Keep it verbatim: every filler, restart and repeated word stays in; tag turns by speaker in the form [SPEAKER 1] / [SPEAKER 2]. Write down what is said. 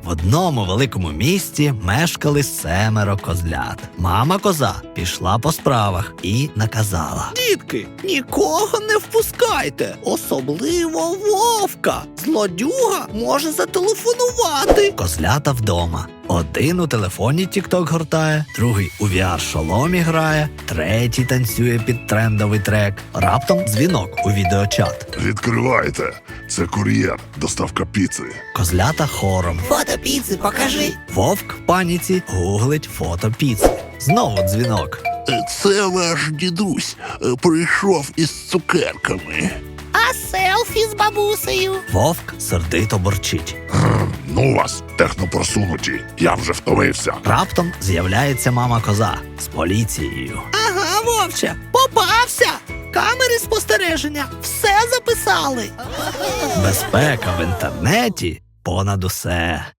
[SPEAKER 1] В одному великому місті мешкали семеро козлят. Мама коза пішла по справах і наказала:
[SPEAKER 2] Дітки, нікого не впускайте, особливо вовка. Злодюга може зателефонувати.
[SPEAKER 1] Козлята вдома. Один у телефоні тік-ток гортає, другий у ві ар-шоломі грає, третій танцює під трендовий трек. Раптом дзвінок у відеочат.
[SPEAKER 3] Відкривайте. Це кур'єр, доставка піци.
[SPEAKER 1] Козлята хором.
[SPEAKER 2] Фото піци покажи.
[SPEAKER 1] Вовк в паніці гуглить фото піци. Знову дзвінок.
[SPEAKER 3] Це ваш дідусь прийшов із цукерками.
[SPEAKER 2] А селфі з бабусею?
[SPEAKER 1] Вовк сердито борчить.
[SPEAKER 3] Ну вас, технопросунуті, я вже втомився.
[SPEAKER 1] Раптом з'являється мама коза з поліцією.
[SPEAKER 2] Ага, вовче, попався. Камери спостереження все записали.
[SPEAKER 1] Безпека в інтернеті понад усе.